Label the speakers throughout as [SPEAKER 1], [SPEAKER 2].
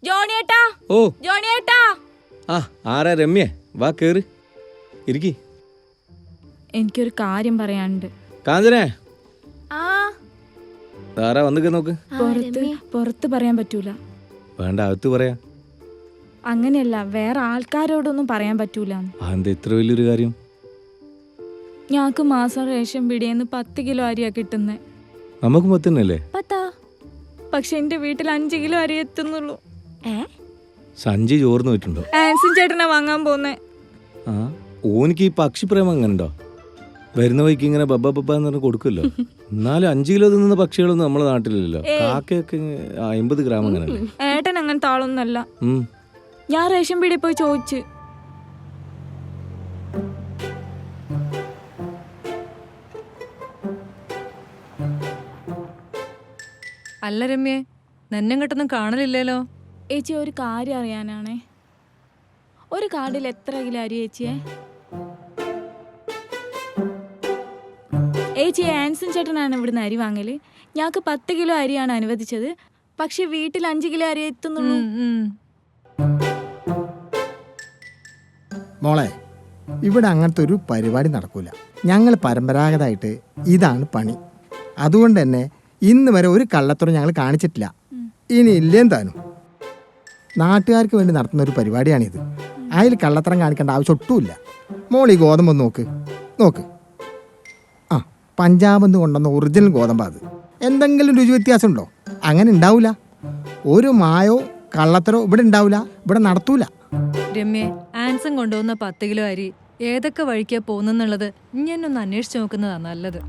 [SPEAKER 1] ജോണിയേട്ടാ,
[SPEAKER 2] ഓ
[SPEAKER 1] ജോണിയേട്ടാ.
[SPEAKER 2] ആ ആരാ രമ്യ? വാ കേറ് ഇരിക്കി.
[SPEAKER 1] എനിക്കൊരു കാര്യം പറയാനുണ്ട്.
[SPEAKER 2] കാഞ്ചനെ
[SPEAKER 1] ആ
[SPEAKER 2] ആരാ വന്നിക്ക നോക്ക്.
[SPEAKER 1] പുറത്ത് പറയാൻ പറ്റൂല.
[SPEAKER 2] വേണ്ട അകത്ത് പറയാ.
[SPEAKER 1] അങ്ങനെയല്ല, വേറെ ആൾക്കാരോടൊന്നും പറയാൻ പറ്റൂല.
[SPEAKER 2] എന്താ ഇത്ര വലിയൊരു കാര്യം?
[SPEAKER 1] ഞങ്ങക്ക് മാസം റേഷൻ പിടിയെന്ന് 10 കിലോ അരിയാ കിട്ടുന്നേ.
[SPEAKER 2] നമുക്ക് പറ്റുന്നല്ലേ?
[SPEAKER 1] പക്ഷെ എന്റെ വീട്ടിൽ 5 കിലോ അരി എത്തുന്നുള്ളൂ.
[SPEAKER 2] സഞ്ചി ചോർന്ന് പോയിട്ടുണ്ടോ?
[SPEAKER 1] ആൻസൺ ചേട്ടനാ വാങ്ങാൻ പോന്നേ.
[SPEAKER 2] ആ ഓനിക്ക് ഈ പക്ഷിപ്രേമം അങ്ങനെ ഉണ്ടോ? വരുന്ന വഴിക്ക് ഇങ്ങനെ ബബ്ബ ബബ്ബ എന്ന് പറഞ്ഞ് കൊടുക്കുമല്ലോ. എന്നാലും 5 കിലോ തിന്നുന്ന പക്ഷികളൊന്നും നമ്മുടെ നാട്ടിലില്ലല്ലോ. കാക്കയൊക്കെ 50 ഗ്രാം അങ്ങനെ.
[SPEAKER 1] ഏട്ടൻ അങ്ങനത്തെ ആളൊന്നല്ല. ഞാൻ റേഷൻ പീടിയിൽ പോയി ചോദിച്ചു.
[SPEAKER 3] അല്ല രമ്യേ, നെന്നം കെട്ടൊന്നും കാണലില്ലല്ലോ.
[SPEAKER 1] ചേച്ചി, ഒരു കാര്യം അറിയാനാണേ. ഒരു കാർഡിൽ എത്ര കിലോ അരി ചേച്ചിയെ? ചേച്ചി, ആൻസൺ ചേട്ടനാണ് ഇവിടുന്ന് അരി വാങ്ങല്. ഞങ്ങൾക്ക് 10 കിലോ അരിയാണ് അനുവദിച്ചത്. പക്ഷെ വീട്ടിൽ 5 കിലോ അരി എത്തുന്നുള്ളൂ.
[SPEAKER 4] മോളെ, ഇവിടെ അങ്ങനത്തെ ഒരു പരിപാടി നടക്കൂല. ഞങ്ങൾ പരമ്പരാഗതമായിട്ട് ഇതാണ് പണി. അതുകൊണ്ട് തന്നെ ഇന്ന് വരെ ഒരു കള്ളത്തുറ ഞങ്ങൾ കാണിച്ചിട്ടില്ല. ഇനി ഇല്ലേം താനും. നാട്ടുകാർക്ക് വേണ്ടി നടത്തുന്ന ഒരു പരിപാടിയാണിത്. അതിൽ കള്ളത്തരം കാണിക്കേണ്ട ആവശ്യം ഒട്ടുമില്ല. മോൾ ഈ ഗോതമ്പ് നോക്ക് നോക്ക്. ആ, പഞ്ചാബ് കൊണ്ടുവന്ന ഒറിജിനൽ ഗോതമ്പാ അത്. എന്തെങ്കിലും രുചി വ്യത്യാസം ഉണ്ടോ? അങ്ങനെ ഉണ്ടാവില്ല. ഒരു മായോ കള്ളത്തരോ ഇവിടെ ഉണ്ടാവില്ല, ഇവിടെ നടത്തൂല.
[SPEAKER 3] രമ്യേ, ആൻസൺ കൊണ്ടുവന്ന 10 കിലോ അരി ഏതൊക്കെ വഴിക്കാ പോകുന്നുള്ളത് ഇങ്ങനൊന്ന് അന്വേഷിച്ചു നോക്കുന്നതാ നല്ലത്.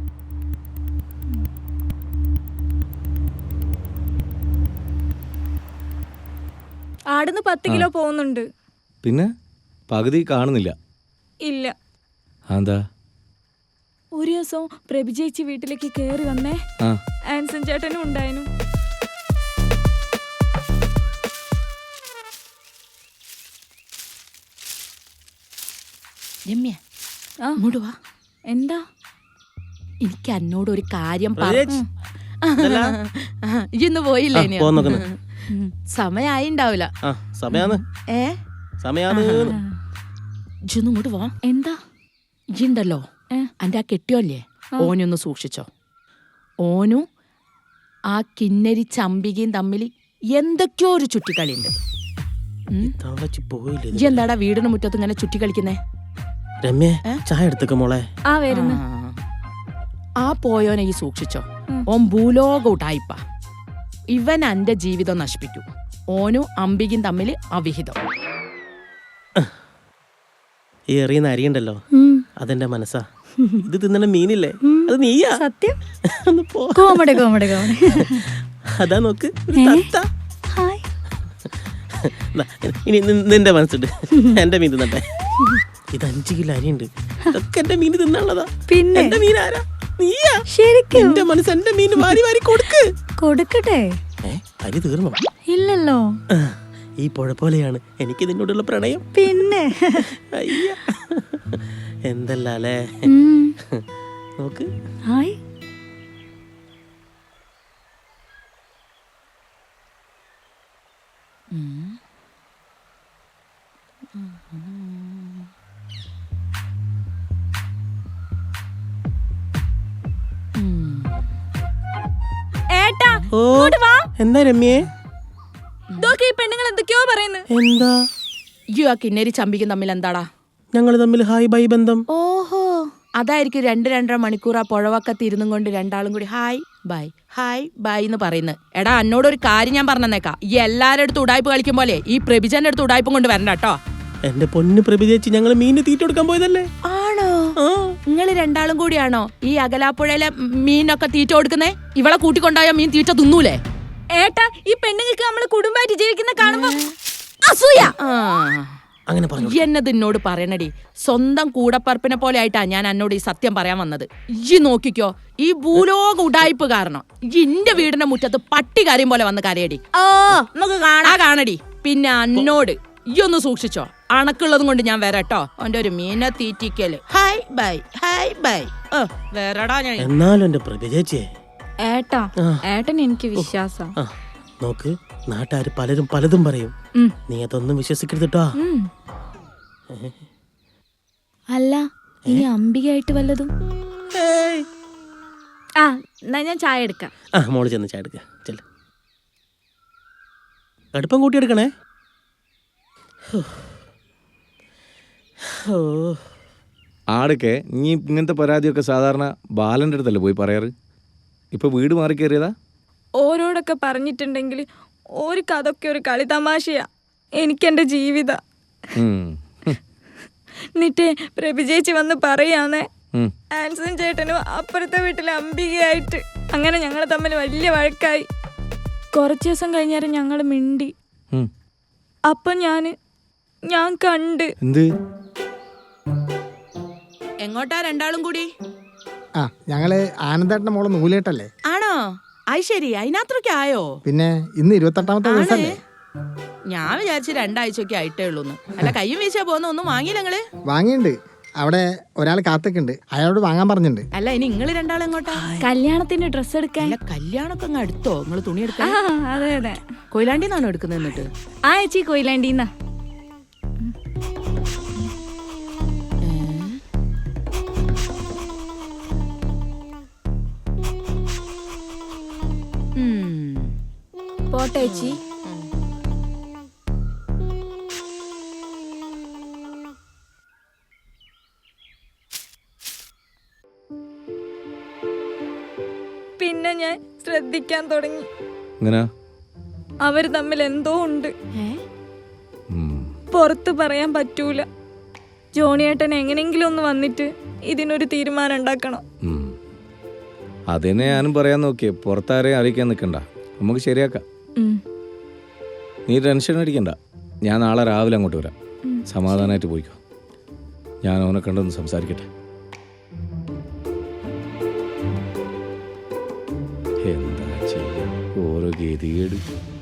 [SPEAKER 1] ആടുന്ന് 10 കിലോ പോകുന്നുണ്ട്.
[SPEAKER 2] പിന്നെ പകുതി കാണുന്നില്ല.
[SPEAKER 1] ഇല്ല.
[SPEAKER 2] എന്താ?
[SPEAKER 1] ഒരു ദിവസം പ്രഭു ചേച്ചി വീട്ടിലേക്ക് കേറി വന്നേ. ആൻസൺ ചേട്ടനും ഉണ്ടായിരുന്നു.
[SPEAKER 5] രമ്യ, ഇങ്ങോട്ട് വാ.
[SPEAKER 1] എന്താ?
[SPEAKER 5] എനിക്ക് എന്നോട് ഒരു കാര്യം ഇന്ന് പോയില്ലേ? സമയായിണ്ടാവില്ല. ഇങ്ങോട്ട് വാ.
[SPEAKER 1] എന്താ?
[SPEAKER 5] ഇണ്ടല്ലോ, അന്റെ ആ കെട്ടിയോല്ലേ, ഓനൊന്ന് സൂക്ഷിച്ചോ. ഓനും ആ കിന്നരി ചമ്പികയും തമ്മിൽ എന്തൊക്കെയോ ഒരു ചുറ്റിക്കളിയുണ്ട്. എന്താടാ വീടിന് മുറ്റത്ത് ഇങ്ങനെ ചുറ്റിക്കളിക്കുന്നേ?
[SPEAKER 6] രമ്യ, ചായ എടുത്തേക്ക് മോളെ.
[SPEAKER 1] ആ വരുന്നു.
[SPEAKER 5] ആ പോയോനെ ഈ സൂക്ഷിച്ചോ. ഓൻ ഭൂലോക ഉടായിപ്പ. ഇവൻ എന്റെ ജീവിതം നശിപ്പിക്കും. ഓനും അംബികയും തമ്മിൽ അവിഹിതം.
[SPEAKER 6] ഈ എറിയുന്ന അരിയുണ്ടല്ലോ, അതെന്റെ മനസ്സാ. ഇത് തിന്നണ മീനില്ലേ, അത് നീയാ.
[SPEAKER 1] സത്യം. Comedy comedy comedy.
[SPEAKER 6] അതാ നോക്ക്. ഇനി നിന്റെ മനസ്സുണ്ട്. എന്റെ മീൻ തിന്നട്ടെ. ഇത് 5 കിലോ അരിയുണ്ട്. ഇതൊക്കെ എന്റെ മീൻ തിന്നാനുള്ളതാ. പിന്നെ എന്റെ മീൻ ആരാ? നീയാ. ശരിക്കും എന്റെ മനസ്സ് എന്റെ മീൻ വാരി വാരി
[SPEAKER 1] കൊടുക്കട്ടെ.
[SPEAKER 6] അരി തീർന്നോ?
[SPEAKER 1] ഇല്ലല്ലോ.
[SPEAKER 6] ഈ പുഴ പോലെയാണ് എനിക്ക് നിന്നോടുള്ള പ്രണയം.
[SPEAKER 1] പിന്നെ
[SPEAKER 6] അയ്യ, എന്തല്ലേ നോക്ക്.
[SPEAKER 1] ഹായ്. ഏട്ടാ, ഇങ്ങോട്ട് വാ.
[SPEAKER 6] എന്താ രമ്യേ?
[SPEAKER 1] ഈ പെണ്ണുങ്ങൾ എന്തൊക്കെയോ പറയുന്നു.
[SPEAKER 6] എന്താ?
[SPEAKER 5] ആ കിന്നരി ചമ്പിക്കും തമ്മിൽ എന്താടാ?
[SPEAKER 6] ഞങ്ങള് തമ്മിൽ ഹായ് ബൈ ബന്ധം.
[SPEAKER 5] ഓഹോ, അതായിരിക്കും 2-2.5 മണിക്കൂർ ആ പുഴവക്കത്ത് ഇരുന്നും കൊണ്ട് രണ്ടാളും കൂടി ഹായ് ബൈ എന്ന് പറയുന്നത്. എടാ, എന്നോടൊരു കാര്യം ഞാൻ പറഞ്ഞേക്കാം. ഈ എല്ലാരുടെ അടുത്ത് ഉടായ്പ കളിക്കും പോലെ ഈ പ്രഭിജന്റെ അടുത്ത് ഉടായ്പം കൊണ്ട് വരണ്ട കേട്ടോ.
[SPEAKER 6] എന്റെ പൊന്ന് പ്രഭിചേച്ചി, ഞങ്ങള് മീനിന് തീറ്റ കൊടുക്കാൻ പോയതല്ലേ?
[SPEAKER 5] ആണോ? നിങ്ങൾ രണ്ടാളും കൂടിയാണോ ഈ അകലാപ്പുഴയിലെ മീനൊക്കെ തീറ്റ കൊടുക്കുന്നേ? ഇവളെ കൂട്ടിക്കൊണ്ടായ മീൻ തീറ്റ തിന്നൂലേ?
[SPEAKER 1] ഏട്ടാ, ഈ പെണ്ണുങ്ങൾക്ക് നമ്മള് കുടുംബമായിട്ട് ജീവിക്കുന്ന കാണുമ്പോ
[SPEAKER 5] അസൂയ.
[SPEAKER 6] അങ്ങനെ പറഞ്ഞു.
[SPEAKER 5] എന്നത് എന്നോട് പറയണടി. സ്വന്തം കൂടപ്പറപ്പിനെ പോലെ ആയിട്ടാ ഞാൻ എന്നോട് ഈ സത്യം പറയാൻ വന്നത്. ഇജ്ജ് നോക്കിക്കോ, ഈ ഭൂലോക ഉടായ്പ് കാരണം ഇന്റെ വീടിന്റെ മുറ്റത്ത് പട്ടി കാര്യം പോലെ വന്ന് കരയടി. നമുക്ക് കാണാടി. പിന്നെ എന്നോട് ഇയൊന്ന് സൂക്ഷിച്ചോ. അണക്കുള്ളതും കൊണ്ട് ഞാൻ വരട്ടോ. അവന്റെ ഒരു മീനെ തീറ്റിക്കല്. Hi bye. വരടാ ഞാൻ.
[SPEAKER 6] എന്നാലും എന്റെ പ്രഭിചേച്ചിയെ.
[SPEAKER 1] ഏട്ടൻ എനിക്ക് വിശ്വാസം.
[SPEAKER 6] നോക്ക്, നാട്ടുകാർ പലരും പലതും പറയും.
[SPEAKER 1] ഉം.
[SPEAKER 6] നീ അതൊന്നും വിശ്വസിക്കരുത് കേട്ടോ.
[SPEAKER 1] ഉം. അല്ല ഇനി അംബികയായിട്ട് വല്ലതും? ആ എന്നാ ഞാൻ ചായ എടുക്കാം.
[SPEAKER 6] ആ മോള് ചെന്ന് ചായ എടുക്ക. ചെല്ല, അടുപ്പം കൂട്ടിയെടുക്കണേ. ഓ,
[SPEAKER 2] ആടൊക്കെ നീ ഇങ്ങനത്തെ പരാതിയൊക്കെ സാധാരണ ബാലൻ്റെ അടുത്തല്ലേ പോയി പറയാറ്? ഇപ്പൊ വീട് മാറി കയറിയതാ?
[SPEAKER 1] ഓരോടൊക്കെ പറഞ്ഞിട്ടുണ്ടെങ്കിൽ ഓർക്ക് അതൊക്കെ ഒരു കളി തമാശയാ. എനിക്കെൻ്റെ ജീവിത എന്നിട്ട് പ്രഭിചേച്ചി വന്ന് പറയാന്നേ ആൻസൺ ചേട്ടനും അപ്പുറത്തെ വീട്ടിലെ അംബികയായിട്ട്. അങ്ങനെ ഞങ്ങൾ തമ്മിൽ വലിയ വഴക്കായി. കുറച്ച് ദിവസം കഴിഞ്ഞാലും ഞങ്ങൾ മിണ്ടി. അപ്പൊ ഞാൻ കണ്ട്.
[SPEAKER 2] എന്ത്?
[SPEAKER 5] എങ്ങോട്ടാ രണ്ടാളും കൂടി?
[SPEAKER 4] ആ ഞങ്ങള് ആനന്ദേട്ടന്റെ മോളെ നൂലേട്ടല്ലേ?
[SPEAKER 5] ആണോ? അത് ശരി, അതിനത്രയ്ക്ക് ആയോ?
[SPEAKER 4] പിന്നെ ഇന്ന് 28ാമത്തെ ദിവസല്ലേ?
[SPEAKER 5] ഞാൻ വിചാരിച്ചു 2 ആഴ്ചയൊക്കെ ആയിട്ടേ ഉള്ളൂന്ന്. അല്ല കയ്യും വീശാ പോകുന്ന ഒന്നും വാങ്ങിയില്ല നിങ്ങള്?
[SPEAKER 4] വാങ്ങിയിട്ടുണ്ട്. അവിടെ ഒരാൾ കാത്തൊക്കെയുണ്ട്, അയാളോട് വാങ്ങാൻ പറഞ്ഞിട്ടുണ്ട്.
[SPEAKER 5] അല്ല ഇനി നിങ്ങള് രണ്ടാളും എങ്ങോട്ടാ?
[SPEAKER 1] കല്യാണത്തിന്റെ ഡ്രസ്സ് എടുക്കാൻ.
[SPEAKER 5] അല്ല കല്യാണൊക്കെ അങ്ങ് അടുത്തോ? നിങ്ങള് തുണി എടുക്കാൻ?
[SPEAKER 1] അതെ അതെ.
[SPEAKER 5] കൊയിലാണ്ടിന്നാണോ എടുക്കുന്നത്? എന്നിട്ട്
[SPEAKER 1] ആ ചേച്ചി കൊയിലാണ്ടിന്നാ. പോട്ടെ ചേച്ചി. പിന്നെ ഞാൻ ശ്രദ്ധിക്കാൻ തുടങ്ങി. അവര് തമ്മിൽ എന്തോ ഉണ്ട്. പുറത്ത് പറയാൻ പറ്റൂല. ജോണിയേട്ടൻ എങ്ങനെങ്കിലും ഒന്ന് വന്നിട്ട് ഇതിനൊരു തീരുമാനം ഉണ്ടാക്കണം.
[SPEAKER 2] അതിനെ ഞാനും പറയാൻ നോക്കിയേ. പുറത്താരെയും അറിയിക്കാൻ നിൽക്കണ്ട, നമുക്ക് ശരിയാക്കാം. നീ ടെൻഷൻ അടിക്കണ്ട. ഞാൻ നാളെ രാവിലെ അങ്ങോട്ട് വരാം. സമാധാനമായിട്ട് പോയിക്കോ. ഞാൻ അവനെ കണ്ടൊന്ന് സംസാരിക്കട്ടെ. എന്താ ചെയ്യാ, ഓരോ ഗതികേട്.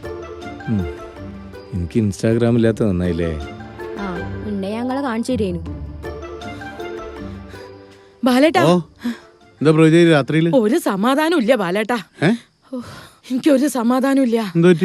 [SPEAKER 2] എനിക്ക് ഇൻസ്റ്റാഗ്രാമില്ലാത്ത നന്നായില്ലേ?
[SPEAKER 1] ഞങ്ങളെ കാണിച്ചു തരേനു.
[SPEAKER 5] ബാലേട്ടാ,
[SPEAKER 7] എന്താ പ്രവചന രാത്രിയിൽ
[SPEAKER 5] ഒരു സമാധാനം ഇല്ല ബാലേട്ടാ. എനിക്കൊരു സമാധാനം ഇല്ല.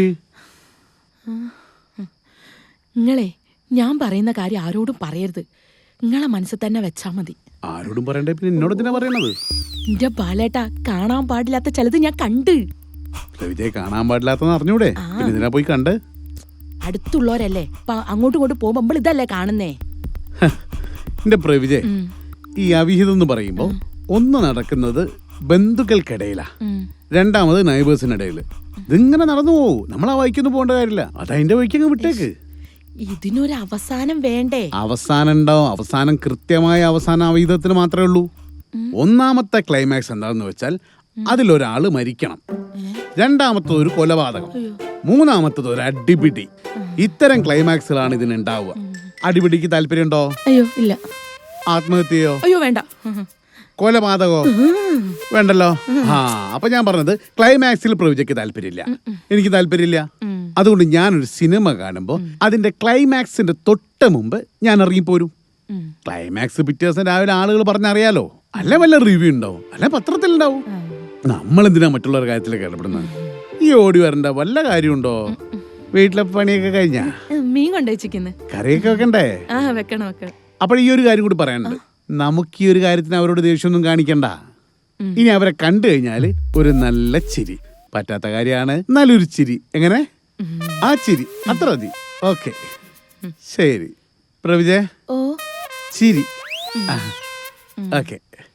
[SPEAKER 5] നിങ്ങളെ ഞാൻ പറയുന്ന കാര്യം ആരോടും പറയരുത്. നിങ്ങളെ മനസ്സിൽ തന്നെ വെച്ചാ മതി.
[SPEAKER 7] ആരോടും പറയണ്ടേ, പിന്നെ എന്നോട് എന്തിനാ പറയണത്?
[SPEAKER 5] എന്റെ ബാലേട്ടാ, കാണാൻ പാടില്ലാത്ത ചിലത് ഞാൻ കണ്ട്.
[SPEAKER 7] വിജയ് കാണാൻ പാടില്ലാത്തെന്ന് അറിഞ്ഞൂടെ? പിന്നെ ഇതിനാ പോയി കണ്ട്?
[SPEAKER 5] അടുത്തുള്ളവരല്ലേ, അങ്ങോട്ടും ഇങ്ങോട്ടും പോകുമ്പോ നമ്മൾ ഇതല്ലേ കാണുന്നേ.
[SPEAKER 7] എന്റെ പ്രവിജയ്, ഈ അവിഹിതം എന്ന് പറയുമ്പോ ഒന്ന് നടക്കുന്നത് ബന്ധുക്കൾക്കിടയിലാ, രണ്ടാമത് നൈബേഴ്സിനിടയിൽ. ഇതിങ്ങനെ നടന്നു പോവും. നമ്മൾ ആ വഴിക്കൊന്നും പോകേണ്ട കാര്യമില്ല. അതതിന്റെ വഴിക്കങ്ങ് വിട്ടേക്ക്.
[SPEAKER 5] ഇതിനൊരു അവസാനം വേണ്ടേ?
[SPEAKER 7] അവസാനം ഉണ്ടാവും. അവസാനം കൃത്യമായ അവസാന അവിഹിതത്തിന് മാത്രമേ ഉള്ളൂ. ഒന്നാമത്തെ ക്ലൈമാക്സ് എന്താണെന്ന് വെച്ചാൽ അതിലൊരാള് മരിക്കണം, രണ്ടാമത്തത് ഒരു കൊലപാതകം, മൂന്നാമത്തത് ഒരു അടിപിടി. ഇത്തരം ക്ലൈമാക്സുകളാണ് ഇതിനുണ്ടാവുക. അടിപിടിക്ക് താല്പര്യമുണ്ടോ?
[SPEAKER 5] അയ്യോ ഇല്ല.
[SPEAKER 7] ആത്മഹത്യയോ?
[SPEAKER 5] അയ്യോ വേണ്ട.
[SPEAKER 7] കൊലപാതകോ? വേണ്ടല്ലോ. അപ്പൊ ഞാൻ പറഞ്ഞത് ക്ലൈമാക്സിൽ പ്രവചിക്ക് താല്പര്യമില്ല, എനിക്ക് താല്പര്യമില്ല. അതുകൊണ്ട് ഞാനൊരു സിനിമ കാണുമ്പോ അതിന്റെ ക്ലൈമാക്സിന്റെ തൊട്ട് മുമ്പ് ഞാൻ ഇറങ്ങിപ്പോരും. ക്ലൈമാക്സ് പിറ്റേ ദിവസം രാവിലെ ആളുകൾ പറഞ്ഞറിയാലോ. അല്ലെ വല്ല റിവ്യൂ ഉണ്ടാവും, അല്ലെ പത്രത്തിലുണ്ടാവും. നമ്മളെന്തിനാ മറ്റുള്ളവരുടെ കാര്യത്തിലേക്ക് ഇടപെടുന്നത്? ഈ ഓടി വരണ്ട വല്ല കാര്യമുണ്ടോ? വീട്ടിലെ പണിയൊക്കെ കഴിഞ്ഞാ?
[SPEAKER 5] മീൻ കൊണ്ടുവച്ചിരിക്കുന്നു.
[SPEAKER 7] കറിയൊക്കെ വെക്കണ്ടേ?
[SPEAKER 5] വെക്കണം വെക്കണം.
[SPEAKER 7] അപ്പോൾ ഈ ഒരു കാര്യം കൂടി പറയാനുണ്ട്. നമുക്ക് ഈ ഒരു കാര്യത്തിന് അവരോട് ദേഷ്യമൊന്നും കാണിക്കണ്ട. ഇനി അവരെ കണ്ടു കഴിഞ്ഞാൽ ഒരു നല്ല ചിരി. പറ്റാത്ത കാര്യമാണ്, നല്ലൊരു ചിരി. എങ്ങനെ? ആ ചിരി അത്ര മതി. ഓക്കെ ശരി പ്രവിജയ, ചിരി. ഓക്കെ.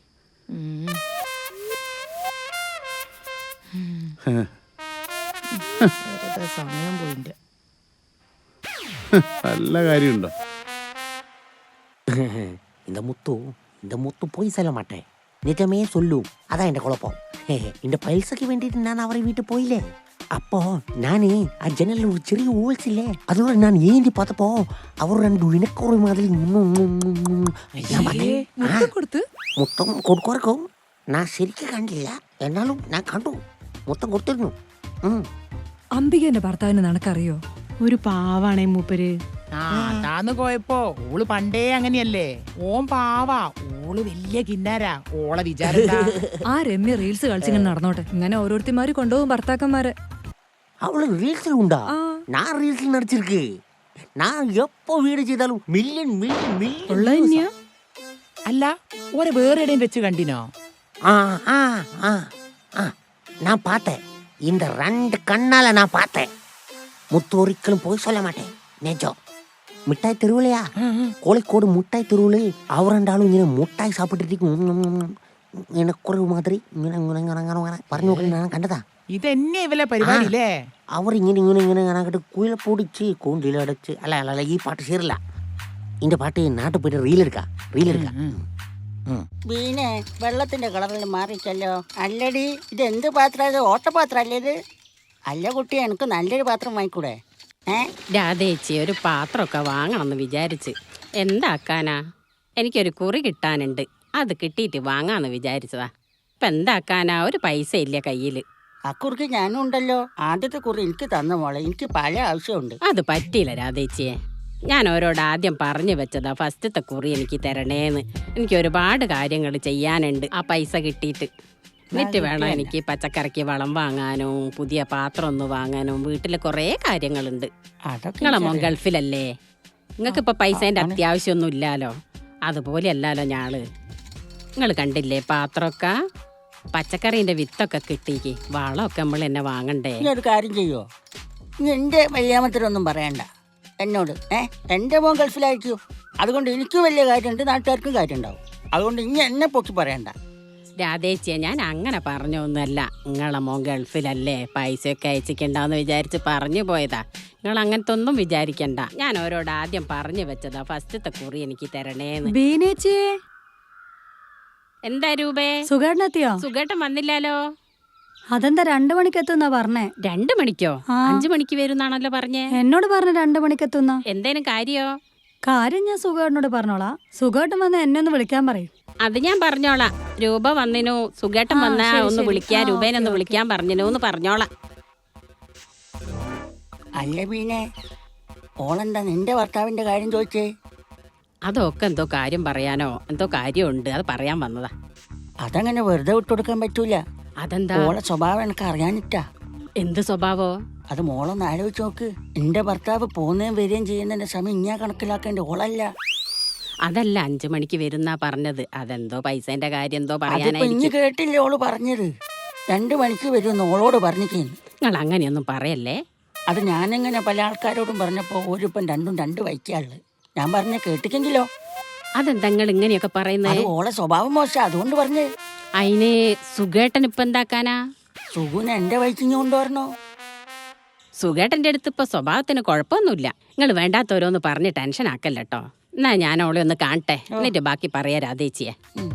[SPEAKER 5] സമയം പോയില്ല.
[SPEAKER 7] നല്ല കാര്യമുണ്ടോ?
[SPEAKER 8] இந்த முத்து போய் சொல்ல மாட்டேன், நிஜமே சொல்லும். அதான் என் குழப்பம். இந்த பைல்ஸுக்கு வேண்டிட்டு நான் அவரை வீட்டு போயிலே. அப்போ நானே ആ ജനലിൽ ഒരു ചെറിയ ഹോൾസ് ഇല്ലേ, അതിലൂടെ ഞാൻ ഏന്തി பார்த்தப்போ അവർ രണ്ടു ഇണക്കൊരു മാതിരി മുത്തം കൊടുക്കും. ഞാൻ ശരിക്കും കണ്ടില്ല, എന്നാലും ഞാൻ കണ്ടു. മുത്തം കൊടുത്തിരുന്നു.
[SPEAKER 3] അംബികന്റെ ഭർത്താവിന് നിനക്കറിയോ?
[SPEAKER 5] ഒരു പാവാണേ മൂപ്പര്.
[SPEAKER 9] താന്ന് പോയപ്പോ ഓള് പണ്ടേ അങ്ങനെയല്ലേ. ഓൻ പാവാ, ഓള് വലിയ കിന്നാരാ. ഓളെ വിചാരം
[SPEAKER 3] ആ രമ്യ റീൽസ് കളിച്ചിങ്ങനെ നടന്നോട്ടെ. ഇങ്ങനെ ഓരോരുത്തിമാര് കൊണ്ടുപോകും ഭർത്താക്കന്മാരെ.
[SPEAKER 8] அவளு ரீல்ஸ்ல உண்டா? நான் ரீல்ஸ்ல நடிச்சிருக்கு. நான் எப்போ വീട് ചെയ്താലും മില്യൺ മില്യൺ മില്യൺ.
[SPEAKER 9] അല്ല ഓരെ വേറെ എവിടെയും വെച്ച് കണ്ടിനോ?
[SPEAKER 8] நான் பார்த்தேன். இந்த 2 கண்ணால நான் பார்த்தேன். முத்து ஒரிக்கலும் போய் சொல்ல மாட்டேன். நிஜம். மிட்டாய் தெருவிலையா? കോഴിക്കോട് മുട്ടായി തെരുവില് അവർ രണ്ടാളും ഇങ്ങനെ മുട്ടായി സാപ്പിട്ടിരിക്കും. ഇങ്ങനെ മാതിരി ഇങ്ങനെ പറഞ്ഞു നോക്കി ഞാൻ കണ്ടതാ.
[SPEAKER 9] ഇതെന്നെ ഇവലെ പരിപാടിയില്ലേ?
[SPEAKER 8] അവർ ഇങ്ങനെ ഇങ്ങനെ ഇങ്ങനെ അങ്ങോട്ട് കുയില പൊടിച്ച് കൂണ്ടിലടച്ച് അല്ല ഈ പാട്ട് ശരിയല്ല. ഇതിന്റെ പാട്ട് നാട്ടിൽ പോയിട്ട് റീലെടുക്കാം.
[SPEAKER 10] വീണേ വെള്ളത്തിന്റെ കളറിൽ മാറിച്ചല്ലോ. അല്ലടി ഇത് എന്ത് പാത്രം? ഇത് ഓട്ടപാത്രം അല്ലേ ഇത്? അല്ല കുട്ടി, എനിക്ക് നല്ലൊരു പാത്രം വാങ്ങിക്കൂടെ?
[SPEAKER 11] രാധേച്ചി ഒരു പാത്രമൊക്കെ വാങ്ങണമെന്ന് വിചാരിച്ച്. എന്താക്കാനാ, എനിക്കൊരു കുറി കിട്ടാനുണ്ട്. അത് കിട്ടിയിട്ട് വാങ്ങാന്ന് വിചാരിച്ചതാ. ഇപ്പം എന്താക്കാനാ, ഒരു പൈസ ഇല്ല കയ്യിൽ.
[SPEAKER 10] അക്കുറിക്ക് ഞാനും ഉണ്ടല്ലോ. ആദ്യത്തെ കുറി എനിക്ക് തന്ന മോളെ, എനിക്ക് പല ആവശ്യമുണ്ട്.
[SPEAKER 11] അത് പറ്റിയില്ല രാധേച്ചിയെ. ഞാൻ അവരോട് ആദ്യം പറഞ്ഞു വെച്ചതാ ഫസ്റ്റത്തെ കുറി എനിക്ക് തരണേന്ന്. എനിക്ക് ഒരുപാട് കാര്യങ്ങൾ ചെയ്യാനുണ്ട് ആ പൈസ കിട്ടിയിട്ട്. എന്നിട്ട് വേണം എനിക്ക് പച്ചക്കറിക്ക് വളം വാങ്ങാനും പുതിയ പാത്രം ഒന്ന് വാങ്ങാനും. വീട്ടിൽ കുറേ കാര്യങ്ങളുണ്ട്. നിങ്ങളെ മോൻ ഗൾഫിലല്ലേ, നിങ്ങൾക്കിപ്പോൾ പൈസേൻ്റെ അത്യാവശ്യമൊന്നും ഇല്ലല്ലോ. അതുപോലെ അല്ലല്ലോ ഞാള്. നിങ്ങൾ കണ്ടില്ലേ പാത്രമൊക്കെ, പച്ചക്കറീൻ്റെ വിത്തൊക്കെ കിട്ടിക്ക്, വളമൊക്കെ നമ്മൾ എന്നെ വാങ്ങണ്ടേ.
[SPEAKER 10] ഒരു കാര്യം ചെയ്യോ, എന്റെ വല്യാമത്തിനൊന്നും പറയണ്ട എന്നോട്. എന്റെ മോൻ ഗൾഫിലായിരിക്കും, അതുകൊണ്ട് എനിക്കും വലിയ കാര്യമുണ്ട്, നാട്ടുകാർക്കും കാര്യം ഉണ്ടാവും. അതുകൊണ്ട് ഇനി എന്നെ പൊക്കി പറയണ്ട.
[SPEAKER 11] രാധേച്ചിയെ ഞാൻ അങ്ങനെ പറഞ്ഞൊന്നുമല്ല. നിങ്ങളെ മോൻ ഗൾഫിലല്ലേ, പൈസയൊക്കെ അയച്ചിട്ടുണ്ടാന്ന് വിചാരിച്ച് പറഞ്ഞു പോയതാ. നിങ്ങൾ അങ്ങനത്തെ ഒന്നും വിചാരിക്കണ്ട. ഞാൻ അവരോട് ആദ്യം പറഞ്ഞു വെച്ചതാ ഫസ്റ്റത്തെ കുറി എനിക്ക് തരണേന്ന്.
[SPEAKER 1] ബീനേച്ചിയെ,
[SPEAKER 11] എന്താ രൂപേ,
[SPEAKER 1] സുഖേട്ടനെത്തിയോ?
[SPEAKER 11] സുഖേട്ടൻ വന്നില്ലാലോ.
[SPEAKER 1] അതെന്താ 2 മണിക്ക് എത്തുന്നാ പറഞ്ഞേ?
[SPEAKER 11] 2 മണിക്കോ? 5 മണിക്ക് വരുന്നാണല്ലോ പറഞ്ഞേ.
[SPEAKER 1] എന്നോട് പറഞ്ഞ 2 മണിക്ക് എത്തുന്ന.
[SPEAKER 11] എന്തേലും കാര്യോ?
[SPEAKER 1] കാര്യം ഞാൻ സുഖേട്ടനോട് പറഞ്ഞോളാം. സുഖേട്ടൻ വന്ന് എന്നെ ഒന്ന് വിളിക്കാൻ പറയും.
[SPEAKER 11] അത് ഞാൻ പറഞ്ഞോളാം. രൂപ വന്നിനു, സുഖേട്ടൻ വന്നാ ഒന്ന് വിളിക്കാൻ, രൂപേനൊന്ന് വിളിക്കാൻ പറഞ്ഞിനു എന്ന് പറഞ്ഞോളാം.
[SPEAKER 10] അല്ല പിന്നെ ഓളെന്താ നിന്റെ ഭർത്താവിന്റെ കാര്യം ചോദിച്ചേ?
[SPEAKER 11] അതൊക്കെ എന്തോ കാര്യം പറയാനോ എന്തോ കാര്യമുണ്ട്, അത് പറയാൻ വന്നതാ.
[SPEAKER 10] അതങ്ങനെ വെറുതെ വിട്ടുകൊടുക്കാൻ പറ്റൂല.
[SPEAKER 11] അതെന്താ?
[SPEAKER 10] ഓളെ സ്വഭാവം എനിക്ക് അറിയാനിട്ടാ.
[SPEAKER 11] എന്ത് സ്വഭാവോ?
[SPEAKER 10] അത് മോളൊന്ന് ആലോചിച്ച് നോക്ക്. എന്റെ ഭർത്താവ് പോകുന്നതും വരികയും ചെയ്യുന്നതിന്റെ സമയം ഇങ്ങനെ കണക്കിലാക്കേണ്ട ഓളല്ല.
[SPEAKER 11] അതല്ല 5 മണിക്ക് വരുന്നാ പറഞ്ഞത്. അതെന്തോ പൈസേന്റെ കാര്യം എന്തോ
[SPEAKER 10] ഇനി
[SPEAKER 11] പറയാനായിരിക്കും.
[SPEAKER 10] കേട്ടില്ലേ ഓള് പറഞ്ഞത്? 2 മണിക്ക് വരുമെന്ന് ഓളോട് പറഞ്ഞിരിക്കുന്നു.
[SPEAKER 11] നിങ്ങൾ അങ്ങനെയൊന്നും പറയല്ലേ.
[SPEAKER 10] അത് ഞാനെങ്ങനെ പല ആൾക്കാരോടും പറഞ്ഞപ്പോ ഓരിപ്പം 2 വയ്ക്കാള്. ഞാൻ പറഞ്ഞ കേട്ടിക്കെങ്കിലോ.
[SPEAKER 11] അതെന്താ നിങ്ങൾ ഇങ്ങനെയൊക്കെ പറയുന്നത്?
[SPEAKER 10] ഓളെ സ്വഭാവം മോശം, അതുകൊണ്ട് പറഞ്ഞേ.
[SPEAKER 11] അതിന് സുഖേട്ടൻ ഇപ്പൊ എന്താക്കാനാ?
[SPEAKER 10] സുഖുനെ എന്റെ വയറ്റിഞ്ഞു കൊണ്ടുവരണോ?
[SPEAKER 11] സുഖേട്ടന്റെ അടുത്ത് ഇപ്പൊ സ്വഭാവത്തിന് കുഴപ്പമൊന്നുമില്ല. നിങ്ങൾ വേണ്ടാത്തോരോന്ന് പറഞ്ഞ് ടെൻഷൻ ആക്കല്ലോ. എന്നാ ഞാൻ അവളെ ഒന്ന് കാണട്ടെ, എന്നിട്ട് ബാക്കി പറയാ രാധേച്ചിയെ.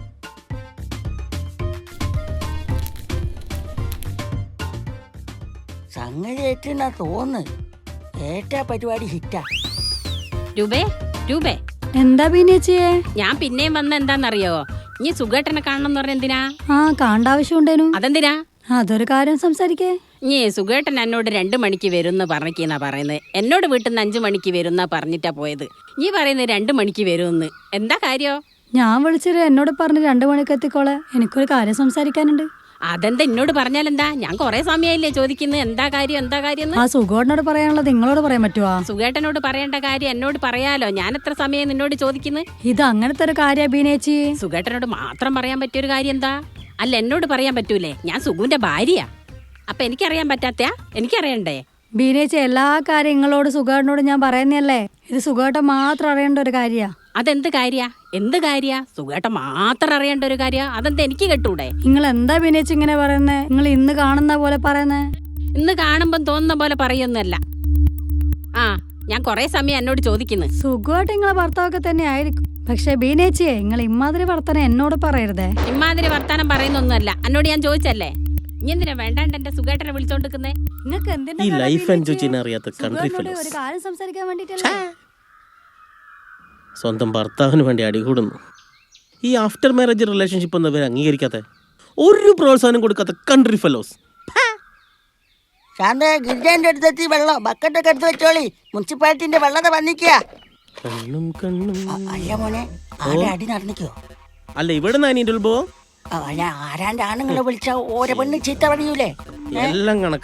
[SPEAKER 10] സംഗതി ഏറ്റാ തോന്നുന്നു. ഏറ്റാ പരിപാടി ഹിറ്റാ.
[SPEAKER 11] രൂപേ, രൂപേ,
[SPEAKER 1] എന്താ ബീനേച്ചിയെ?
[SPEAKER 11] ഞാൻ പിന്നെയും വന്ന എന്താന്നറിയോ? ഇനി സുഖേട്ടനെ കാണണം എന്ന് പറഞ്ഞ എന്തിനാ?
[SPEAKER 1] കാണേണ്ട ആവശ്യം ഉണ്ടേനു.
[SPEAKER 11] അതെന്തിനാ?
[SPEAKER 1] അതൊരു കാര്യം സംസാരിക്കേ.
[SPEAKER 11] ഇനി സുഖേട്ടൻ എന്നോട് 2 മണിക്ക് വരുമെന്ന് പറഞ്ഞിന്നാ പറയുന്നത്. എന്നോട് വീട്ടിൽ നിന്ന് 5 മണിക്ക് വരുന്നാ പറഞ്ഞിട്ടാ പോയത്. നീ പറയുന്നത് 2 മണിക്ക് വരുമെന്ന്. എന്താ കാര്യോ?
[SPEAKER 1] ഞാൻ വിളിച്ചിട്ട് എന്നോട് പറഞ്ഞ് 2 മണിക്ക് എത്തിക്കോളെ, എനിക്കൊരു കാര്യം സംസാരിക്കാനുണ്ട്.
[SPEAKER 11] അതെന്താ എന്നോട് പറഞ്ഞാലെന്താ? ഞാൻ കൊറേ സമയമായില്ലേ ചോദിക്കുന്നത് എന്താ കാര്യം എന്താ കാര്യം.
[SPEAKER 1] ആ സുഖേട്ടനോട് പറയാനുള്ളത് നിങ്ങളോട് പറയാൻ പറ്റുവാ?
[SPEAKER 11] സുഖേട്ടനോട് പറയേണ്ട കാര്യം എന്നോട് പറയാലോ. ഞാൻ എത്ര സമയം നിന്നോട് ചോദിക്കുന്നത്?
[SPEAKER 1] ഇത് അങ്ങനത്തെ ഒരു കാര്യ ബീനേച്ചി.
[SPEAKER 11] സുഖേട്ടനോട് മാത്രം പറയാൻ പറ്റിയൊരു കാര്യം എന്താ? അല്ല എന്നോട് പറയാൻ പറ്റൂലേ? ഞാൻ സുഖുവിന്റെ ഭാര്യയാ. അപ്പൊ എനിക്കറിയാൻ പറ്റാത്തയാ? എനിക്കറിയണ്ടേ?
[SPEAKER 1] ബീനേച്ചി, എല്ലാ കാര്യം നിങ്ങളോട് സുഖേട്ടനോട് ഞാൻ പറയുന്നല്ലേ. ഇത് സുഖേട്ടൻ മാത്രം അറിയേണ്ട ഒരു കാര്യ.
[SPEAKER 11] അതെന്ത് കാര്യ? എന്ത് കാര്യ? സുഖേട്ടൻ മാത്രം അറിയേണ്ട ഒരു കാര്യ? അതെന്താ എനിക്ക് കേട്ടൂടെ?
[SPEAKER 1] നിങ്ങൾ എന്താ ബീനേച്ചി ഇങ്ങനെ പറയുന്നേ? നിങ്ങൾ ഇന്ന് കാണുന്ന പോലെ പറയുന്നേ.
[SPEAKER 11] ഇന്ന് കാണുമ്പം തോന്നുന്ന പോലെ പറയൊന്നുമല്ല. ഞാൻ കൊറേ സമയം എന്നോട് ചോദിക്കുന്നു.
[SPEAKER 1] സുഖമായിട്ട് നിങ്ങളെ ഭർത്താവൊക്കെ തന്നെ ആയിരിക്കും. പക്ഷെ ബീനേച്ചിയെ, നിങ്ങൾ ഇമ്മാതിരി വർത്താനം എന്നോട് പറയരുതേ.
[SPEAKER 11] ഇമ്മാതിരി വർത്താനം പറയുന്നൊന്നുമല്ല. എന്നോട് ഞാൻ ചോദിച്ചല്ലേ. ഇനി എന്തിനാ വേണ്ടാണ്ട് എന്റെ സുഖേട്ടനെ വിളിച്ചോണ്ടിരിക്കുന്നേ?
[SPEAKER 1] നിങ്ങൾക്ക് എന്തിനാ
[SPEAKER 6] ഈ ലൈഫ് എൻജോയ് അറിയാത്ത കൺട്രി ഫെലോസ്
[SPEAKER 1] ഒരു കാര്യം സംസാരിക്കാൻ വേണ്ടിട്ടല്ലേ.
[SPEAKER 6] സ്വന്തം ഭർത്താവിന് വേണ്ടി അടികൂടുന്നു. ഈ ആഫ്റ്റർ മാരേജ് റിലേഷൻഷിപ്പ് ഒന്നും ഇവർ അംഗീകരിക്കാത്ത, ഒരു പ്രോത്സാഹനം കൊടുക്കാത്ത കൺട്രി ഫെലോസ്.
[SPEAKER 10] ശാന്ത, ഗിരിജാന്റെ അടുത്തെത്തി വെള്ളം ബക്കറ്റൊക്കെ എടുത്ത് വെച്ചോളി. മുനിസിപ്പാലിറ്റിന്റെ വെള്ളത വന്നിക്കാ.
[SPEAKER 6] കണ്ണും കണ്ണും.
[SPEAKER 10] അല്ല മോനെ, ആടെ അടി നടന്നിക്കോ?
[SPEAKER 6] അല്ല ഇവിടെ നാനീൻ്റെ ഉത്ഭവം.
[SPEAKER 10] ആരാന്റെ ആണുങ്ങളെ വിളിച്ച ഓരോ പെണ്ണ് ചീത്ത പറയൂലേ?
[SPEAKER 6] എല്ലാം കണക്കാ.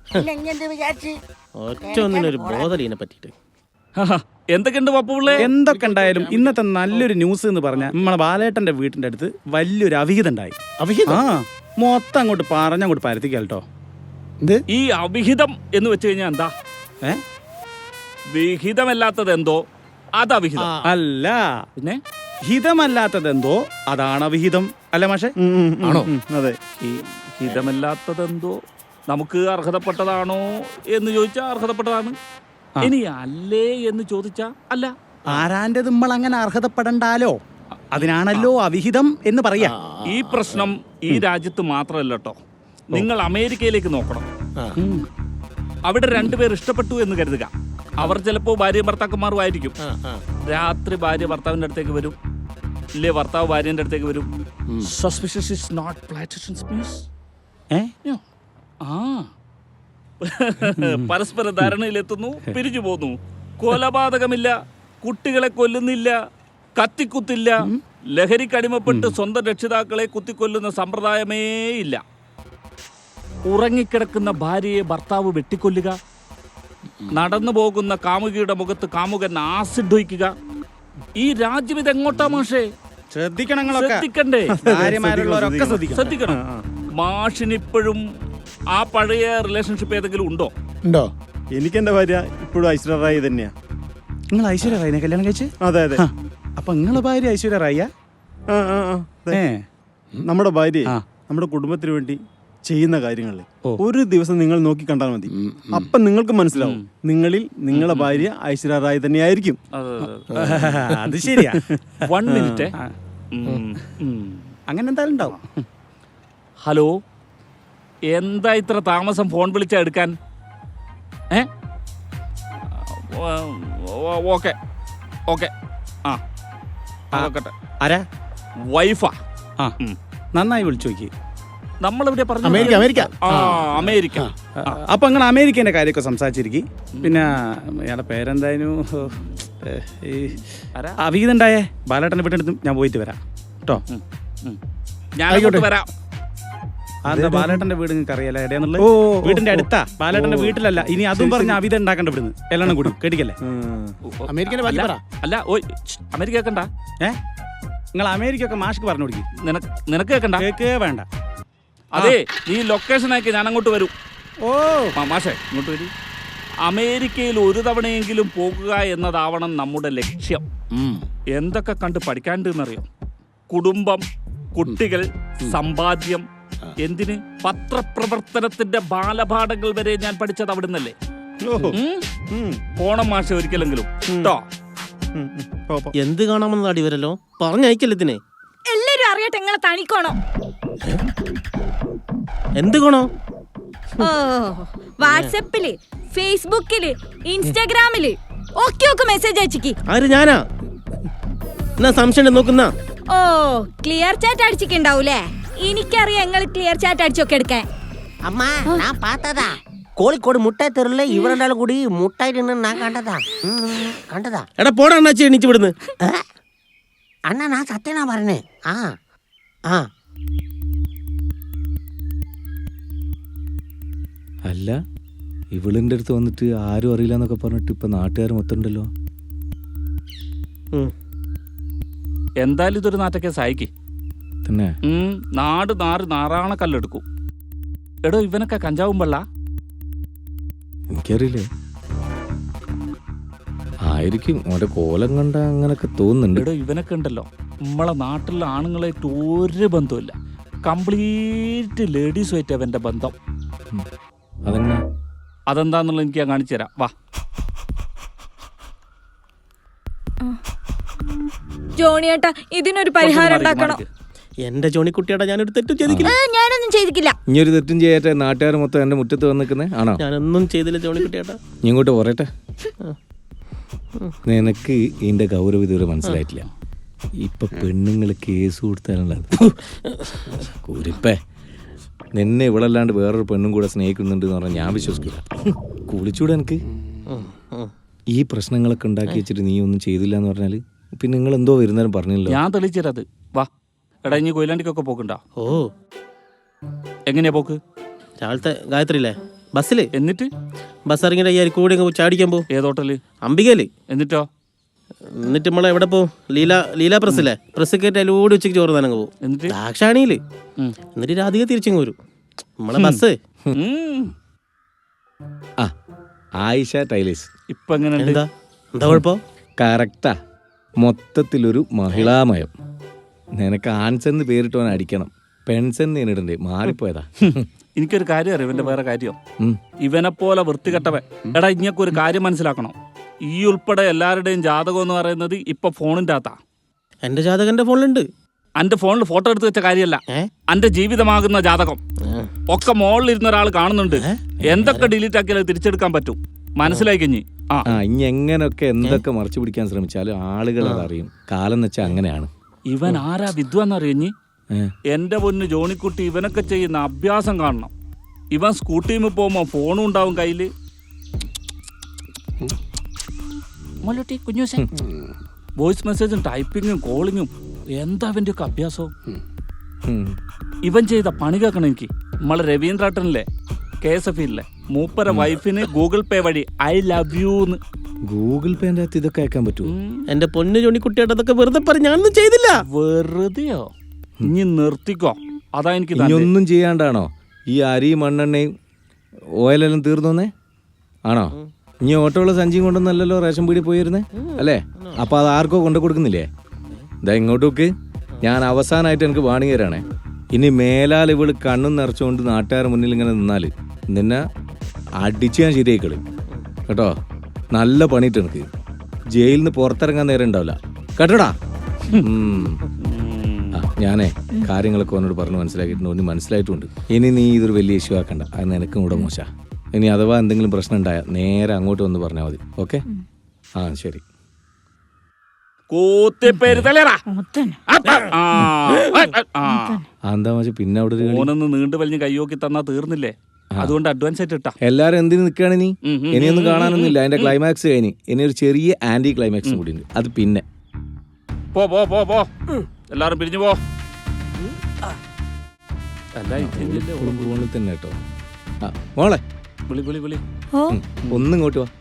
[SPEAKER 10] പിന്നെ ഇനി എന്ത് വിചാരിച്ച്
[SPEAKER 6] ഒറ്റ ഒന്നിനൊരു ബോധം ഇതിനെ പറ്റിയിട്ട്.
[SPEAKER 12] എന്തൊക്കെയുണ്ട് പപ്പുള്ളേ?
[SPEAKER 13] എന്തൊക്കെ ഉണ്ടായാലും ഇന്നത്തെ നല്ലൊരു ന്യൂസ് എന്ന് പറഞ്ഞാൽ നമ്മളെ ബാലേട്ടന്റെ വീട്ടിന്റെ അടുത്ത് വലിയൊരു അവിഹിതം ഉണ്ടായി. ആ മൊത്തം അങ്ങോട്ട് പറഞ്ഞങ്ങോട്ട് പരത്തിക്കല്ലോ.
[SPEAKER 12] ഈ അവിഹിതം എന്ന് വെച്ച് കഴിഞ്ഞാൽ എന്താ? വിഹിതമല്ലാത്തത് എന്തോ അതവിഹിതം
[SPEAKER 13] അല്ല,
[SPEAKER 12] പിന്നെ
[SPEAKER 13] ഹിതമല്ലാത്തതെന്തോ അതാണ് അവിഹിതം അല്ല മാഷെ?
[SPEAKER 12] ആണോ?
[SPEAKER 13] അതെ.
[SPEAKER 12] ഈ ഹിതമല്ലാത്തതെന്തോ നമുക്ക് അർഹതപ്പെട്ടതാണോ എന്ന് ചോദിച്ചാൽ അർഹതപ്പെട്ടതാണ്. ഇനി അല്ലേ എന്ന് ചോദിച്ചാ അല്ല.
[SPEAKER 13] ആരാന്റെ നമ്മൾ അങ്ങനെ അർഹതപ്പെടണ്ടാലോ, അതിനാണല്ലോ അവിഹിതം എന്ന് പറയാ.
[SPEAKER 12] ഈ പ്രശ്നം ഈ രാജ്യത്ത് മാത്രമല്ല കേട്ടോ, നിങ്ങൾ അമേരിക്കയിലേക്ക് നോക്കണം. അവിടെ രണ്ടുപേർ ഇഷ്ടപ്പെട്ടു എന്ന് കരുതുക. അവർ ചിലപ്പോ ഭാര്യ ഭർത്താക്കന്മാരും ആയിരിക്കും. രാത്രി ഭാര്യ ഭർത്താവിന്റെ അടുത്തേക്ക് വരും, ഇല്ലേ ഭർത്താവ് ഭാര്യന്റെ അടുത്തേക്ക് വരും. Suspicious is not plantations means പരസ്പര ധാരണയിലെത്തുന്നു, പിരിഞ്ഞു പോന്നു. കൊലപാതകമില്ല, കുട്ടികളെ കൊല്ലുന്നില്ല, കത്തിക്കുത്തില്ല, ലഹരിക്കടിമപ്പെട്ട് സ്വന്തം രക്ഷിതാക്കളെ കുത്തിക്കൊല്ലുന്ന സമ്പ്രദായമേ ഇല്ല. ഉറങ്ങിക്കിടക്കുന്ന ഭാര്യയെ ഭർത്താവ് വെട്ടിക്കൊല്ലുക, നടന്നു പോകുന്ന കാമുകിയുടെ മുഖത്ത് കാമുകൻ ആസിഡ് ഒഴിക്കുക. ഈ രാജ്യം ഇത് എങ്ങോട്ടാ മാഷേ? ശ്രദ്ധിക്കണ്ടേ? ശ്രദ്ധിക്കണം. മാഷിനിപ്പോഴും ആ പഴയ റിലേഷൻഷിപ്പ് ഏതെങ്കിലും ഉണ്ടോ?
[SPEAKER 13] എനിക്ക് എന്റെ ഭാര്യ ഇപ്പോഴും ഐശ്വര്യ റായി തന്നെയാ. നിങ്ങൾ ഐശ്വര്യ റായിനെ കല്യാണം കഴിച്ച്? അതെ അതെ. അപ്പൊ നിങ്ങളെ ഭാര്യ ഐശ്വര്യ റായിയ?
[SPEAKER 14] നമ്മുടെ ഭാര്യ നമ്മുടെ കുടുംബത്തിന് വേണ്ടി ചെയ്യുന്ന കാര്യങ്ങളിൽ ഒരു ദിവസം നിങ്ങൾ നോക്കി കണ്ടാൽ മതി, അപ്പൊ നിങ്ങൾക്ക് മനസ്സിലാവും നിങ്ങളിൽ നിങ്ങളെ ഭാര്യ ഐശ്വര്യ റായി തന്നെയായിരിക്കും.
[SPEAKER 13] അത് ശരിയാ.
[SPEAKER 12] 1 മിനിറ്റ്.
[SPEAKER 13] അങ്ങനെ എന്തായാലും ഉണ്ടാവും.
[SPEAKER 12] ഹലോ, എന്താ ഇത്ര താമസം ഫോൺ വിളിച്ചാ എടുക്കാൻ? Okay okay.
[SPEAKER 13] ആരാ?
[SPEAKER 12] വൈഫാ.
[SPEAKER 13] നന്നായി വിളിച്ചു നോക്കി.
[SPEAKER 12] നമ്മളെവിടെ പറഞ്ഞു? അമേരിക്ക.
[SPEAKER 13] അപ്പൊ നിങ്ങൾ അമേരിക്കേന്റെ കാര്യമൊക്കെ സംസാരിച്ചിരിക്കും. പിന്നെ ഇയാളുടെ പേരെന്തായാലും അവിഹിതം ഉണ്ടായേ ബാലേട്ടന്റെ വീട്ടിനടുത്ത് ഞാൻ പോയിട്ട് വരാം കേട്ടോ.
[SPEAKER 12] ഞാൻ വരാം.
[SPEAKER 13] അതെന്താ ബാലേട്ടന്റെ വീട് നിങ്ങൾക്ക് അറിയാലോ എവിടെയാന്നുള്ളത്? വീടിന്റെ അടുത്താ. ബാലേട്ടന്റെ വീട്ടിലല്ല. ഇനി അതും പറഞ്ഞ അവിധം ഉണ്ടാക്കണ്ട ഇവിടുന്ന് എല്ലാം കൂടി കേട്ടിക്കല്ലേ?
[SPEAKER 12] അല്ല അമേരിക്ക കേക്കണ്ട.
[SPEAKER 13] നിങ്ങൾ അമേരിക്ക മാഷ്ക്ക് പറഞ്ഞു കൊടുക്കി.
[SPEAKER 12] നിനക്ക് കേക്കണ്ട?
[SPEAKER 13] കേക്കേ വേണ്ട.
[SPEAKER 12] അതെ, നീ ലൊക്കേഷൻ അയക്ക്, ഞാൻ അങ്ങോട്ട് വരും. മാഷേ ഇങ്ങോട്ട് വരും. അമേരിക്കയിൽ ഒരു തവണയെങ്കിലും പോകുക എന്നതാവണം നമ്മുടെ ലക്ഷ്യം. എന്തൊക്കെ കണ്ട് പഠിക്കാണ്ടെന്നറിയോ? കുടുംബം, കുട്ടികൾ, സമ്പാദ്യം, എന്തിന് പത്രപ്രവർത്തനത്തിന്റെ ബാലപാഠങ്ങൾ വരെ ഞാൻ പഠിച്ചത് അവിടെ നിന്നല്ലേ. പോണം മാഷ ഒരിക്കലെങ്കിലും കേട്ടോ.
[SPEAKER 6] എന്ത് കാണാമെന്ന് അടി വരല്ലോ പറഞ്ഞയക്കല്ലത്തിനെ.
[SPEAKER 1] എല്ലാരും അറിയട്ടെ നിങ്ങളെ തനിക്കോണോ?
[SPEAKER 6] എന്ത് കാണോ?
[SPEAKER 1] വാട്സപ്പില്, ഫേസ്ബുക്കില്, ഇൻസ്റ്റാഗ്രാമില് ഒക്കെ മെസ്സേജ് അയച്ചിക്ക്.
[SPEAKER 6] ആര്? ഞാനാ? എന്നാ സംശയം നോക്കുന്ന.
[SPEAKER 1] ഓ, ക്ലിയർ ചാറ്റ് അടിച്ചിട്ടുണ്ടാവൂലേ? എനിക്കറിയാം നിങ്ങൾ ക്ലിയർ ചാറ്റ് അടിച്ചൊക്കെ എടുക്കാൻ.
[SPEAKER 8] അമ്മ ഞാൻ പാത്തതാ. കോഴിക്കോട് മുട്ടായി തെരുവില് ഇവരെല്ലാരും കൂടി മുട്ടായി ഞാൻ കണ്ടതാ.
[SPEAKER 6] എടാ പോടാ അണ്ണാച്ചി, എണീച്ച് വിടുന്നു.
[SPEAKER 8] അണ്ണ ഞാൻ സത്യനാ പറഞ്ഞേ.
[SPEAKER 2] അല്ല, ഇവളിൻ്റെ അടുത്ത് വന്നിട്ട് ആരും അറിയില്ല എന്നൊക്കെ പറഞ്ഞിട്ട് ഇപ്പൊ നാട്ടുകാർ മൊത്തം ഉണ്ടല്ലോ.
[SPEAKER 12] എന്തായാലും ഇതൊരു നാറ്റക്കേസ് അയക്കി
[SPEAKER 2] തന്നെ.
[SPEAKER 12] നാട് നാറാണ കല്ലെടുക്കും. എടോ ഇവനൊക്കെ കഞ്ചാവും വെള്ള
[SPEAKER 2] എനിക്കറിയില്ലേ, ആയിരിക്കും. അവന്റെ കോലം കണ്ട അങ്ങനൊക്കെ തോന്നുന്നുണ്ട്.
[SPEAKER 12] എടോ ഇവനൊക്കെ ഉണ്ടല്ലോ, നമ്മളെ നാട്ടിലെ ആണുങ്ങളായിട്ട് ഒരു ബന്ധമില്ല. കംപ്ലീറ്റ് ലേഡീസുമായിട്ട് അവന്റെ ബന്ധം. അതെന്താന്നുള്ളത് എനിക്ക് ഞാൻ കാണിച്ചു തരാം. വാ.
[SPEAKER 1] ജോണിയേട്ടാ, ഇതിനൊരു പരിഹാരം ഉണ്ടാക്കണം.
[SPEAKER 6] എന്റെ ജോണിക്കുട്ടിയുടെ ഞാനൊരു തെറ്റും ചെയ്തിട്ടില്ല.
[SPEAKER 1] ഞാനൊന്നും ചെയ്തിട്ടില്ല.
[SPEAKER 2] ഇനിയൊരു തെറ്റും ചെയ്യാത്ത നാട്ടുകാർ മൊത്തം എന്റെ മുറ്റത്ത് വന്നിക്കുന്നേ ആണോ?
[SPEAKER 6] ഞാനൊന്നും ചെയ്തില്ല ജോണിക്കുട്ടിയേട്ടാ.
[SPEAKER 2] ഇങ്ങോട്ട് പറയട്ടെ, നിനക്ക് ഇതിന്റെ ഗൗരവം ഇതുവരെ മനസ്സിലായിട്ടില്ല. ഇപ്പൊ പെണ്ണുങ്ങൾ കേസ് കൊടുത്താലുള്ളത് കൂരിപ്പേ. നിന്നെ ഇവളല്ലാണ്ട് വേറൊരു പെണ്ണും കൂടെ സ്നേഹിക്കുന്നുണ്ട് എന്ന് പറഞ്ഞാൽ ഞാൻ വിശ്വസിക്കില്ല. കുളിച്ചൂടെ എനിക്ക്? ഈ പ്രശ്നങ്ങളൊക്കെ ഉണ്ടാക്കി വെച്ചിട്ട് നീ ഒന്നും ചെയ്തില്ല എന്ന് പറഞ്ഞാല് പിന്നെ നിങ്ങൾ എന്തോ വരുന്നേരം പറഞ്ഞല്ലോ.
[SPEAKER 12] ഞാൻ തെളിച്ചത്. വാ. എടാ ഇനി കൊയിലാണ്ടിക്കൊക്കെ പോക്കുണ്ടോ? എങ്ങനെയാ പോക്ക്?
[SPEAKER 6] രാവിലത്തെ ഗായത്രി അല്ലേ, ബസ്സില്.
[SPEAKER 12] എന്നിട്ട്
[SPEAKER 6] ബസ് ഇറങ്ങിയിട്ട് ഈ അരിക്കൂടി അങ്ങ് ചാടിക്കാൻ പോകും.
[SPEAKER 12] ഏതോട്ടല്?
[SPEAKER 6] അംബികയില്.
[SPEAKER 12] എന്നിട്ടോ?
[SPEAKER 6] എന്നിട്ട് നമ്മളെ എവിടെ പോകും? ലീല പ്രസ്സില്ലേ, പ്രസ് കയറ്റി അതിലൂടെ ഉച്ചയ്ക്ക് ചോറ് തന്നെ പോകും.
[SPEAKER 12] എന്നിട്ട്
[SPEAKER 6] ദാക്ഷാണിയില്. എന്നിട്ട് രാധിക തിരിച്ചിങ്ങ് വരും. നമ്മളെ ബസ്.
[SPEAKER 2] ആ ആയിഷ ടൈലേഴ്സ്.
[SPEAKER 12] ഇപ്പൊ എങ്ങനെയുണ്ട്?
[SPEAKER 6] എന്താ കുഴപ്പം?
[SPEAKER 2] കറക്റ്റാ, മൊത്തത്തിലൊരു മഹിളാമയം. നിനക്ക് ആൻസെന്ന് പേരിട്ടവൻ അടിക്കണം, പെൺസെൻ നേരിടണ്ടേ, മാറിപ്പോയതാ.
[SPEAKER 12] എനിക്കൊരു കാര്യം അറിയാം, ഇവന്റെ വേറെ കാര്യം. ഇവനെ പോലെ വൃത്തികെട്ടവൻ. എടാ ഇങ്ങക്ക് ഒരു കാര്യം മനസ്സിലാക്കണം, ഈ ഉൾപ്പെടെ എല്ലാവരുടെയും ജാതകം എന്ന് പറയുന്നത് ഇപ്പൊ ഫോണിന്റെ അകത്താ.
[SPEAKER 6] എന്റെ ജാതകം എന്റെ ഫോണിലുണ്ട്.
[SPEAKER 12] എന്റെ ഫോണിൽ ഫോട്ടോ എടുത്ത് വെച്ച കാര്യമല്ല, എന്റെ ജീവിതമാകുന്ന ജാതകം ഒക്കെ മോളിൽ ഇരുന്ന ഒരാൾ കാണുന്നുണ്ട്. എന്തൊക്കെ ഡിലീറ്റ് ആക്കിയാൽ തിരിച്ചെടുക്കാൻ പറ്റും. മനസ്സിലായി കഴിഞ്ഞ്
[SPEAKER 2] ഇനി എങ്ങനെയൊക്കെ എന്തൊക്കെ മറച്ചു പിടിക്കാൻ ശ്രമിച്ചാലും ആളുകൾ അതറിയും. കാലം എന്ന് വെച്ചാൽ അങ്ങനെയാണ്.
[SPEAKER 12] ഇവൻ ആരാ വിദ്വാന്നറിയഞ്ഞി? എന്റെ പൊന്ന് ജോണിക്കുട്ടി, ഇവനൊക്കെ ചെയ്യുന്ന അഭ്യാസം കാണണം. ഇവൻ സ്കൂട്ടിയിൽ പോകുമ്പോ ഫോണും ഉണ്ടാവും കയ്യില്. വോയിസ് മെസ്സേജും ടൈപ്പിങ്ങും കോളിങ്ങും എന്താ അവന്റെ ഒക്കെ അഭ്യാസം. ഇവൻ ചെയ്ത പണി കേൾക്കണം എനിക്ക്. നമ്മളെ രവീന്ദ്രേട്ടനില്ലേ, KSF-ലെ മൂപ്പര വൈഫിന് ഗൂഗിൾ പേ വഴി ഐ ലവ് യു
[SPEAKER 2] ഗൂഗിൾ പേന്റെ അകത്ത് ഇതൊക്കെ അയക്കാൻ പറ്റുമോ?
[SPEAKER 6] എന്റെ പൊന്നു ജോണിക്കുട്ടിയായിട്ട് അതൊക്കെ വെറുതെ പറഞ്ഞു, ഞാനൊന്നും ചെയ്തില്ല.
[SPEAKER 12] വെറുതെയോ? ഇനി നിർത്തിക്കോ. അതാ എനിക്ക്
[SPEAKER 2] ഒന്നും ചെയ്യാണ്ടാണോ ഈ അരി മണ്ണെണ്ണയും ഓയിലെല്ലാം തീർന്നോന്നേ ആണോ? ഇനി ഓട്ടോയുള്ള സഞ്ചിയും കൊണ്ടൊന്നല്ലല്ലോ റേഷൻ പീടി പോയിരുന്നേ അല്ലേ? അപ്പൊ അത് ആർക്കോ കൊണ്ടു കൊടുക്കുന്നില്ലേ? ഇതാ ഇങ്ങോട്ടേക്ക് ഞാൻ അവസാനമായിട്ട് എനിക്ക് വാണി തരാണേ. ഇനി മേലാൽ ഇവള് കണ്ണും നിറച്ചുകൊണ്ട് നാട്ടുകാരുടെ മുന്നിൽ ഇങ്ങനെ നിന്നാല് നിന്നെ അടിച്ച് ഞാൻ ശരിയായിക്കളി കേട്ടോ. നല്ല പണിയിട്ട് എനിക്ക് ജയിലിൽ നിന്ന് പുറത്തിറങ്ങാൻ നേരം ഉണ്ടാവില്ല കേട്ടോടാ. ഞാനേ കാര്യങ്ങളൊക്കെ അവനോട് പറഞ്ഞ് മനസ്സിലാക്കിയിട്ടുണ്ട്, ഒന്ന് മനസ്സിലായിട്ടുണ്ട്. ഇനി നീ ഇതൊരു വലിയ ഇഷ്യൂ ആക്കണ്ട, അത് നിനക്കും കൂടെ മോശ. ഇനി അഥവാ എന്തെങ്കിലും പ്രശ്നം ഉണ്ടായാൽ നേരെ അങ്ങോട്ട് വന്ന് പറഞ്ഞാൽ മതി. ഓക്കെ? ആ ശരി. എന്താ മച്ച പിന്നെ അവിടെ
[SPEAKER 12] ഓനൊന്ന് നീണ്ടു വലിഞ്ഞ് കയ്യോക്കി തന്നാ തീർന്നില്ലേ? അതുകൊണ്ട് അഡ്വാൻസ് ആയിട്ട് ഇട്ടാ.
[SPEAKER 2] എല്ലാരും എന്തിനു നിൽക്കുകയാണ് നീ? ഇനിയൊന്നും കാണാനൊന്നുമില്ല. അതിന്റെ ക്ലൈമാക്സ് കഴിഞ്ഞ് ഇനി ഒരു ചെറിയ ആന്റി ക്ലൈമാക്സും കൂടി ഉണ്ട്. അത് പിന്നെ
[SPEAKER 12] പോ പോ പോ പോ എല്ലാരും പിരിഞ്ഞു പോ.
[SPEAKER 2] തന്നെ കേട്ടോ. മോളെ
[SPEAKER 12] വിളി വിളി വിളി.
[SPEAKER 2] ഒന്നും ഇങ്ങോട്ട് വാ.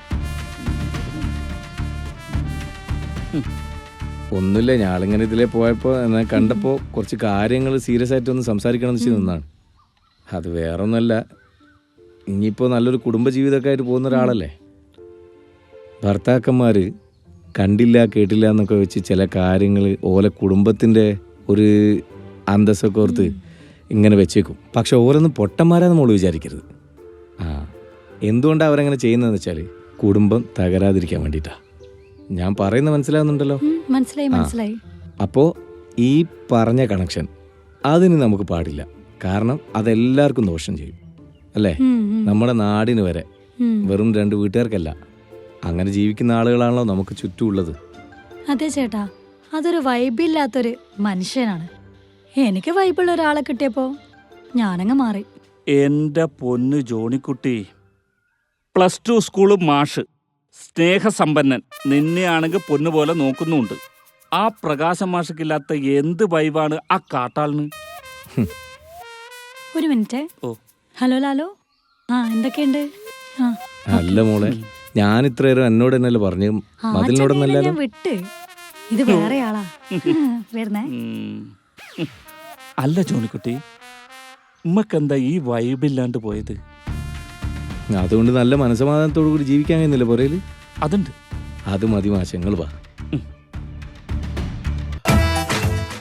[SPEAKER 2] ഒന്നുമില്ല, ഞാളിങ്ങനെ ഇതിലേ പോയപ്പോൾ എന്നെ കണ്ടപ്പോൾ കുറച്ച് കാര്യങ്ങൾ സീരിയസ് ആയിട്ട് ഒന്ന് സംസാരിക്കണം എന്ന് വെച്ച് നിന്നാണ്. അത് വേറൊന്നുമല്ല, ഇനിയിപ്പോൾ നല്ലൊരു കുടുംബജീവിതമൊക്കെ ആയിട്ട് പോകുന്ന ഒരാളല്ലേ. ഭർത്താക്കന്മാർ കണ്ടില്ല കേട്ടില്ല എന്നൊക്കെ വെച്ച് ചില കാര്യങ്ങൾ ഓലെ കുടുംബത്തിൻ്റെ ഒരു അന്തസ്സൊക്കെ ഓർത്ത് ഇങ്ങനെ വെച്ചേക്കും. പക്ഷെ ഓരോന്നും പൊട്ടന്മാരാന്ന് നമ്മൾ വിചാരിക്കരുത്. എന്തുകൊണ്ടാണ് അവരങ്ങനെ ചെയ്യുന്നതെന്ന് വെച്ചാൽ കുടുംബം തകരാതിരിക്കാൻ വേണ്ടിയിട്ടാണ്. ഞാൻ പറയുന്നത് മനസ്സിലാവുന്നുണ്ടല്ലോ?
[SPEAKER 1] മനസ്സിലായി.
[SPEAKER 2] അപ്പോൾ ഈ പറഞ്ഞ കണക്ഷൻ അതിന് നമുക്ക് പാടില്ല. കാരണം അതെല്ലാവർക്കും ദോഷം ചെയ്യും അല്ലേ? നമ്മുടെ നാടിന് വരെ, വെറും 2 വീട്ടുകാർക്കല്ല. അങ്ങനെ ജീവിക്കുന്ന ആളുകളാണല്ലോ നമുക്ക് ചുറ്റുമുള്ളത്.
[SPEAKER 1] അതെ ചേട്ടാ, അതൊരു വൈബില്ലാത്തൊരു മനുഷ്യനാണ്. എനിക്ക് വൈബുള്ള ഒരാളെ കിട്ടിയപ്പോ ഞാനങ്ങ് മാറി.
[SPEAKER 12] എന്റെ പൊന്ന് ജോണിക്കുട്ടി, +2 സ്കൂള് മാഷ്, സ്നേഹസമ്പന്നൻ, നിന്നെയാണെങ്കിൽ പൊന്നുപോലെ നോക്കുന്നുണ്ട്. ആ പ്രകാശം മാഷക്കില്ലാത്ത എന്ത് വൈബാണ് ആ കാട്ടാളിന്.
[SPEAKER 1] ഒരു മിനിറ്റ്. ഹലോ ലാലോ, എന്തൊക്കെയുണ്ട്?
[SPEAKER 2] അല്ല മോളെ, ഞാൻ ഇത്രയേരം എന്നോട് തന്നെയല്ലേ പറഞ്ഞു, മതിലിനോടൊന്നല്ലാതെ
[SPEAKER 1] വിട്ട്. ഇത് വേറെ ആളാ വരുന്നേ.
[SPEAKER 12] അല്ല ജോണിക്കുട്ടി, ഉമ്മക്കെന്താ ഈ വൈബില്ലാണ്ട് പോയത്?
[SPEAKER 2] അതുകൊണ്ട് നല്ല മനസ്സമാധാനത്തോടു കൂടി ജീവിക്കാൻ കഴിയുന്നില്ല പുറയില്.
[SPEAKER 12] അതുണ്ട്.
[SPEAKER 2] അത് മതി മാഷങ്ങൾ വാ.